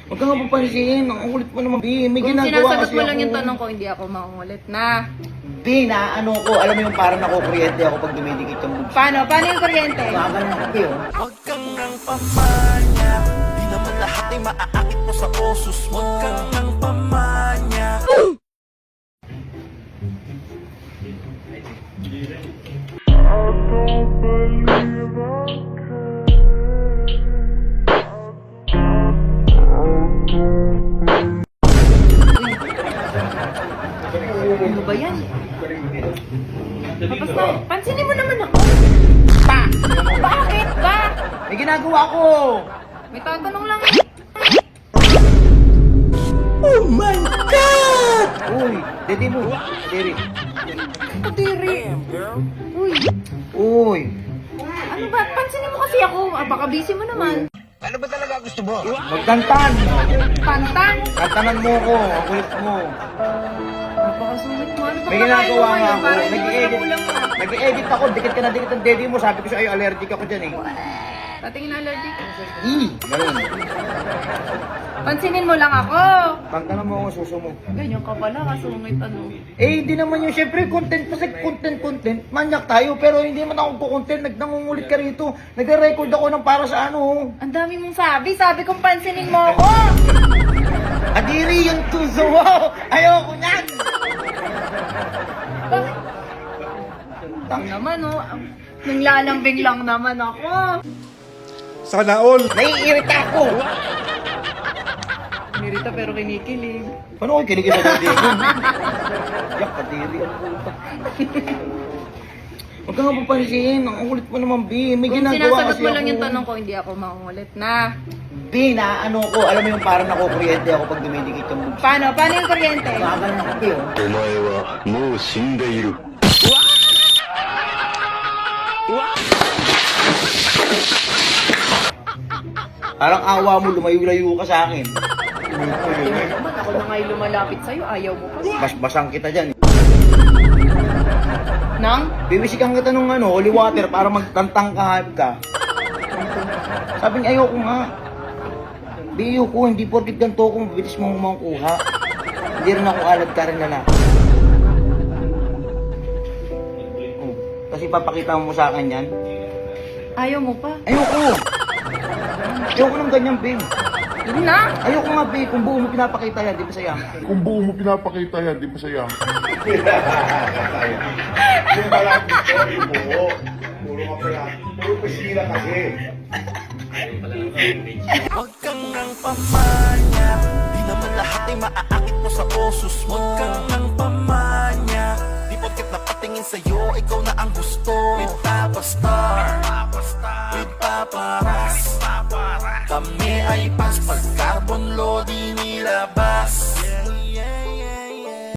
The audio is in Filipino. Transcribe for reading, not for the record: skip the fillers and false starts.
Huwag ka nga papansin. Ang kulit mo naman, B. May Kung ginagawa sinasagot kasi mo lang ako. yung tanong ko, hindi ako makungulit na. B, naano ko. Alam mo yung parang nakukuryente ako pag dumidikit yung bugso. Paano? Paano yung kuryente? Nakagalan ako, B, oh. Huwag kang nang pamanya, di naman lahat ay maaakit mo sa osos mo. Huwag kang nang pamanya. Ano ba yan? Tapos na, pansinin mo naman ako. Pa! Bakit ba? May ginagawa ko. May tatanong lang eh. Oh my God! Uy, dede mo. Dede. Kadiri. Uy, Uy. ano ba? Pansinin mo kasi ako. Ah, baka busy mo naman. Ano ba talaga gusto mo? Magkantan. Pantan. Kantanan mo ko. Ang kulit mo. Napakasungit mo. Ano ba May kakain ginagawa mo nga ngayon? ako. Parang hindi mo Nag-i-edit. ulam mo. Nag-i-edit ako. Dikit ka na dikit ang dede mo. Sabi ko sa'yo, allergic ako dyan eh. Tatingin allergic. Ganun. Pansinin mo lang ako. Kantanan mo ako, suso mo. Ganyan ka pala, kasungit ano. Eh, hindi naman yun. Siyempre, content. Kasi content. Manyak tayo. Pero hindi naman ako content. Nangungulit ka rito. Nagre-record ako ng para sa ano. Ang dami mong sabi. Sabi kong pansinin mo ako. Adiri yung tuso mo. Ayoko niyan. Bakit? Tang naman oh. Nanglalambing lang naman ako. Sana all. Naiirita ako. Mirita pero kinikilig. Paano ko kinikita sa dede mo? Yak, adiri ang puta. Huwag ka nga papansin. Ang kulit mo naman, B. May Kung ginagawa sinasagot kasi mo lang ako. yung tanong ko, hindi ako makungulit na. B, naano ko. Alam mo yung parang nakukuryente ako pag dumidikit yung bugso. Paano? Paano yung kuryente? Nakagalan ako, B, oh. お前はもう死んでいる。 Parang awa mo, lumayo-layo ka sa akin. Naman ako na nga'y lumalapit sa'yo, ayaw mo pa. Basang kita dyan. Nang? Bibisikan kita nung ano, holy water para magtantang kahit ka. Sabi niya, ayoko nga. Biyo ko, hindi porkit ganito ako, mabilis mong makuha. Hindi rin ako alad ka rin lalaki. Oh, kasi papakita mo sa akin yan. Ayaw mo pa. Ayoko! Ayoko ng ganyan, babe. Yun na! Ayoko nga, babe. Kung buo mo pinapakita yan, di ba sayang? Kung buo mo pinapakita yan, di ba saya? Yung pala gusto, yung buo. Puro ka pala. Puro pasira kasi. Huwag kang nang pamanya, di naman lahat ay maaakit mo sa osos mo. Huwag kang nang pamanya, di porket napatingin sa'yo, ikaw na ang gusto. With Papa Star, with Papa Ras, kami ay pas pag carbon load inilabas.